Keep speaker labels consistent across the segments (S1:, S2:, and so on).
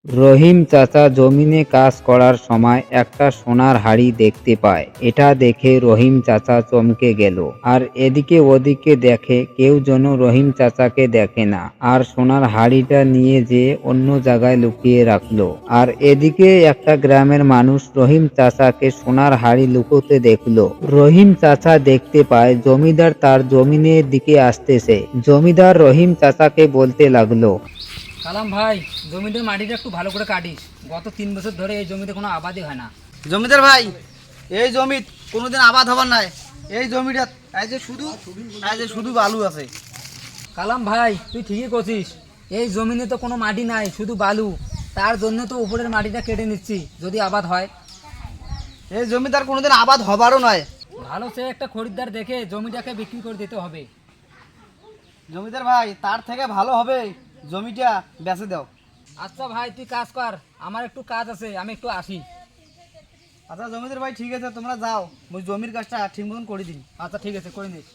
S1: রহিম চাচা জমিনে কাজ করার সময় একটা সোনার হাড়ি দেখতে পায়। এটা দেখে রহিম চাচা চমকে গেল। আর এদিকে ওদিকে দেখে কেউ যেন রহিম চাচাকে দেখে না, আর সোনার হাড়িটা নিয়ে যেয়ে অন্য জায়গায় লুকিয়ে রাখলো। আর এদিকে একটা গ্রামের মানুষ রহিম চাচাকে সোনার হাড়ি লুকোতে দেখলো। রহিম চাচা দেখতে পায় জমিদার তার জমিনের দিকে আসতেছে। জমিদার রহিম চাচাকে বলতে লাগলো,
S2: কালাম ভাই, জমিতে মাটিটা একটু ভালো করে কাটিস। গত 3 বছর ধরে এই জমিতে কোনো আবাদই হয় না।
S3: জমিদার ভাই, এই জমিত কোনোদিন আবাদ হবার নাই। এই জমিটা এই যে শুধু বালু আছে।
S2: কালাম ভাই, তুই ঠিকই করছিস। এই জমিনে তো কোনো মাটি নাই, শুধু বালু। তার জন্য তো উপরের মাটিটা কেটে নিচ্ছি, যদি আবাদ হয়।
S3: এই জমিদার কোনোদিন আবাদ হবারও নয়।
S2: ভালো সে একটা খরিদ্দার দেখে জমিটাকে বিক্রি করে দিতে হবে।
S3: জমিদার ভাই, তার থেকে ভালো হবে জমিটা বেচে দাও।
S2: আচ্ছা ভাই, তুই কাজ কর, আমার একটু কাজ আছে, আমি একটু আসি।
S3: আচ্ছা জমিদার ভাই, ঠিক আছে, তোমরা যাও, ওই জমির কাজটা ঠিক মতন করে দিন।
S2: আচ্ছা ঠিক আছে, করে নিস।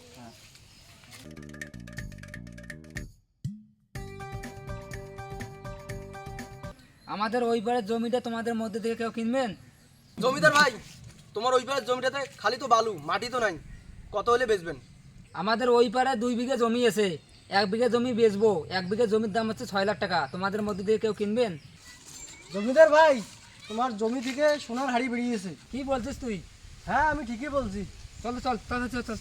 S2: আমাদের ওই পারের জমিটা তোমাদের মধ্যে থেকে কেউ কিনবেন?
S4: জমিদার ভাই, তোমার ওই পারের জমিটাতে খালি তো বালু, মাটি তো নাই, কত হলে বেচবেন?
S2: আমাদের ওই পারে 2 বিঘা জমি আছে। 1 বিঘা জমি বেচবো। 1 বিঘা জমির দাম হচ্ছে 6 লাখ টাকা। তোমাদের মধ্যে দিয়ে কেউ কিনবেন?
S4: জমিদার ভাই, তোমার জমি থেকে সোনার হাড়ি বেরিয়েছে।
S2: কি বলছিস তুই?
S4: হ্যাঁ, আমি ঠিকই বলছি।
S2: চল চল চল চল চল।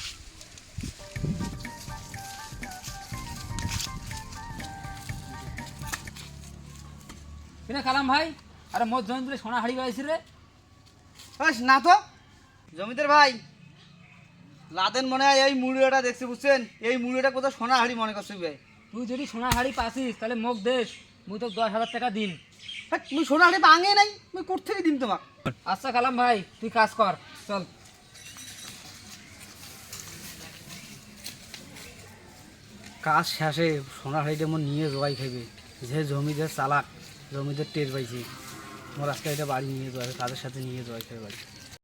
S2: কিনা কালাম ভাই, আরে মোট জমি তুলে সোনা হাড়ি পাইছি রে।
S3: না তো জমিদার ভাই, লাদেন মনে হয় এই মুড়িটা দেখছি, বুঝছেন? এই মুড়িটা কোথাও সোনার হাড়ি মনে করছি ভাই।
S2: তুই যদি সোনা হাড়ি পাসিস তাহলে মোক দেশ, মুই তো 10,000 টাকা দিন।
S3: হ্যাঁ, তুমি সোনার হাড়ি ভাঙে নাই, তুমি কোথেকে দিন তোমার?
S2: আচ্ছা কালাম ভাই, তুই কাজ কর, চল।
S3: কাজ শেষে সোনার হাড়িটা আমার নিয়ে জবাই খাইবে। যে জমিদের চালাক, জমিদের টের পাইছি, আমার আজকে এটা বাড়ি নিয়ে যাওয়া, তাদের সাথে নিয়ে জবাই খাবে বাড়ি।